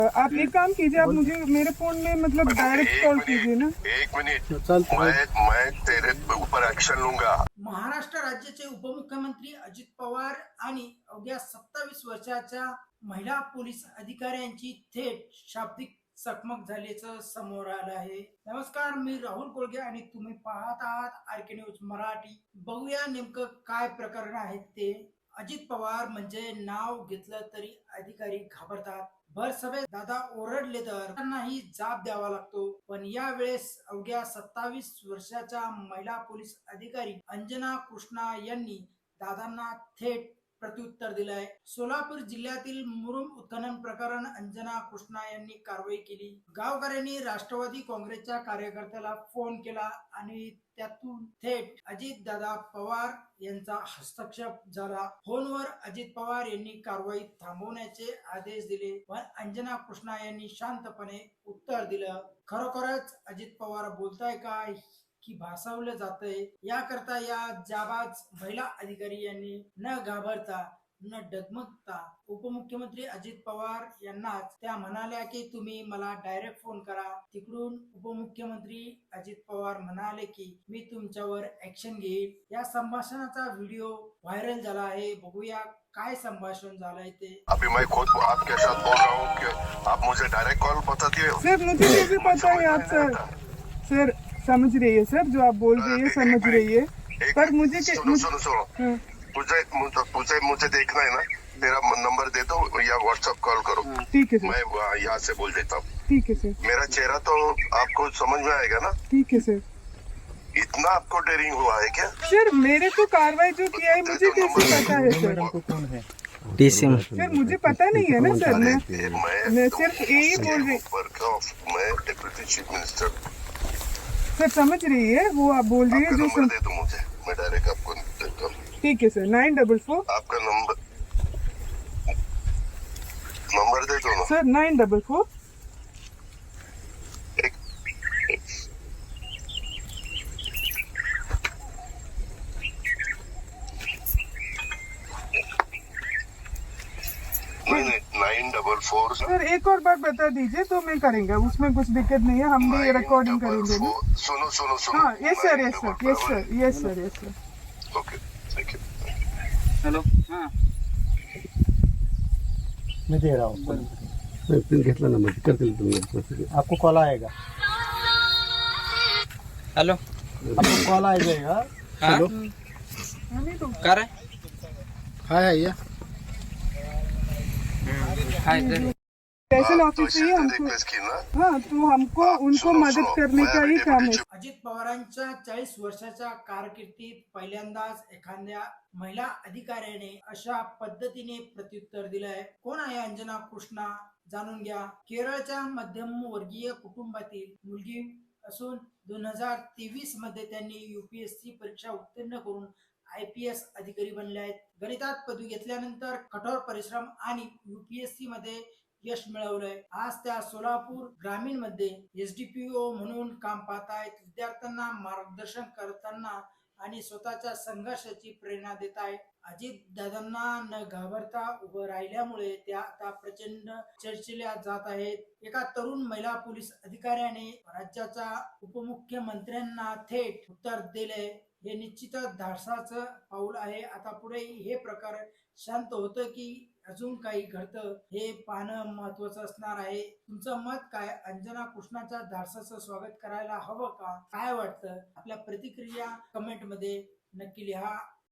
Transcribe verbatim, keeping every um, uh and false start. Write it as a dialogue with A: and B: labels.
A: आप एक काम कीजिए, आप मुझे मेरे फोन में मतलब डायरेक्ट कॉल कीजिए ना।
B: एक मिनिट, मैं मैं तेरे ऊपर एक्शन लूंगा।
C: महाराष्ट्र राज्याचे उपमुख्यमंत्री अजित पवार आणि अवघ्या सत्तावीस वर्षाच्या महिला पोलीस अधिकाऱ्यांची थेट शाब्दिक चकमक झाल्याचं समोर आलं आहे। नमस्कार, मी राहुल कोळगे आणि तुम्ही पाहत आहात आर के न्यूज मराठी। बघूया नेमकं काय प्रकरण आहे ते। अजित पवार म्हणजे नाव घेतलं तरी अधिकारी घाबरतात। भर सभेत दादा ओरडले तर त्यांनाही जाब द्यावा लागतो। पण या वेळेस अवघ्या सत्तावीस वर्षाच्या महिला पोलीस अधिकारी अंजना कृष्णा यांनी दादांना थेट प्रत्युत्तर दिलंय। सोलापूर जिल्ह्यातील मुरुम उत्खनन प्रकरण अंजना कृष्णा यांनी कारवाई केली। गावकऱ्यांनी राष्ट्रवादी काँग्रेसच्या कार्यकर्त्याला फोन केला आणि त्यातून थेट अजित दादा पवार यांचा हस्तक्षेप झाला। फोनवर अजित पवार यांनी कारवाई थांबवण्याचे आदेश दिले, पण अंजना कृष्णा यांनी शांतपणे उत्तर दिलं। खरोखरच अजित पवार बोलताय काय की भासावलं जातंय? याकरता या जाबाज महिला अधिकारी यांनी न घाबरता न डगमगता उपमुख्यमंत्री अजित पवार यांनाच त्या म्हणाल्या की तुम्ही मला डायरेक्ट फोन करा। तिकडून उपमुख्यमंत्री अजित पवार म्हणाले की मी तुमच्यावर ऍक्शन घेईल। या संभाषणाचा व्हिडिओ व्हायरल झाला आहे। बघूया काय संभाषण झालंय ते।
B: अभी मैं खुद आपके साथ बोल रहा हूँ कि आप मुझे डायरेक्ट कॉल बताती हो।
A: सर मुझे कैसे पता है आप सर सर समझ रही है सर, जो आप बोल रही है समझ रही है, पर मुझे के-
B: सुनो
A: मुझे-
B: सुनो सुनो
A: हाँ,
B: मुझे मुझे मुझे मुझे देखना है ना, तेरा नंबर दे दो या व्हाट्सएप कॉल करो।
A: ठीक है सर,
B: मैं वहाँ यहाँ से बोल देता हूँ।
A: ठीक है सर,
B: मेरा चेहरा तो आपको समझ में आएगा ना।
A: ठीक है सर।
B: इतना आपको डेयरिंग हुआ है क्या?
A: सर मेरे को कार्रवाई जो किया है मुझे कैसे पता है सर?
D: डीसीएम
A: सर मुझे पता नहीं है ना सर, मैं
B: मैं
A: मैं सिर्फ यही बोल रही।
B: ऊपर का मैं डिप्टी चीफ मिनिस्टर।
A: सर समझ रही है वो आप बोल रही है
B: आपका
A: जो
B: नंबर
A: सर।
B: दे दो मुझे, मैं डायरेक्ट आपको देता हूँ।
A: ठीक है सर, नाइन डबल फोर
B: आपका नंबर नंबर दे दो ना।
A: सर, नाइन डबल फोर
B: एक नहीं नहीं नाइन डबल फोर
A: सर एक और बार बता दीजिए तो मैं करेंगे, उसमें कुछ दिक्कत नहीं है, हम भी रिकॉर्डिंग करेंगे ना।
B: सुनो सुनो सुनो।
A: हाँ yes sir, yes sir, yes sir, yes sir, yes sir.
B: Okay thank you.
D: Hello हाँ
E: मैं दे रहा हूँ,
F: पिन घेतला ना, म्हणजे करतील तुम्ही।
E: आपको कॉल आएगा,
D: हेलो
E: आपको कॉल आ जाएगा।
D: हाँ
A: हमें तो
D: कर रहे
E: हाँ आइए,
D: हाय इधर
A: स्पेशल ऑफिस ही हमको,
B: रिक्वेस्ट की ना।
A: हाँ तो हमको उनको
B: सुनो,
A: मदद
B: सुनो,
A: करने
B: मैं
A: का ही
B: अभी
A: काम है।
B: डिप्टी
C: अजित पवारांच्या चाळीस वर्षाच्या कारकिर्दीत पहिल्यांदाच एखाद्या महिला अधिकाऱ्याने अशा पद्धतीने प्रत्युत्तर दिलंय। कोण आहे अंजना कृष्णा जाणून घ्या। केरळच्या मध्यमवर्गीय कुटुंबातील मुलगी असून दोन हजार तेवीस मध्ये त्यांनी युपीएससी परीक्षा उत्तीर्ण करून आय पी एस अधिकारी बनले आहेत। गणितात पदवी घेतल्यानंतर कठोर परिश्रम आणि युपीएससी मध्ये यश मिळवलंय। आज त्या सोलापूर ग्रामीण मध्ये एस डी पी ओ म्हणून काम पाहतायत। विद्यार्थ्यांना मार्गदर्शन करताना आणि स्वतःच्या संघर्षाची प्रेरणा देत आहे। अजित दादांना न घाबरता उभं राहिल्यामुळे त्या आता प्रचंड चर्चेल्या जात आहेत। एका तरुण महिला पोलीस अधिकाऱ्याने राज्याच्या उपमुख्यमंत्र्यांना थेट उत्तर दिले, हे निश्चितच धाडसाचं पाऊल आहे। आता पुढे हे प्रकार शांत होतं की अजून काही घडतं हे पाहणं महत्वाचं असणार आहे। तुमचं मत काय? अंजना कृष्णाच्या धाडसाचं स्वागत करायला हवं का? काय वाटतं? आपल्या प्रतिक्रिया कमेंट मध्ये नक्की लिहा।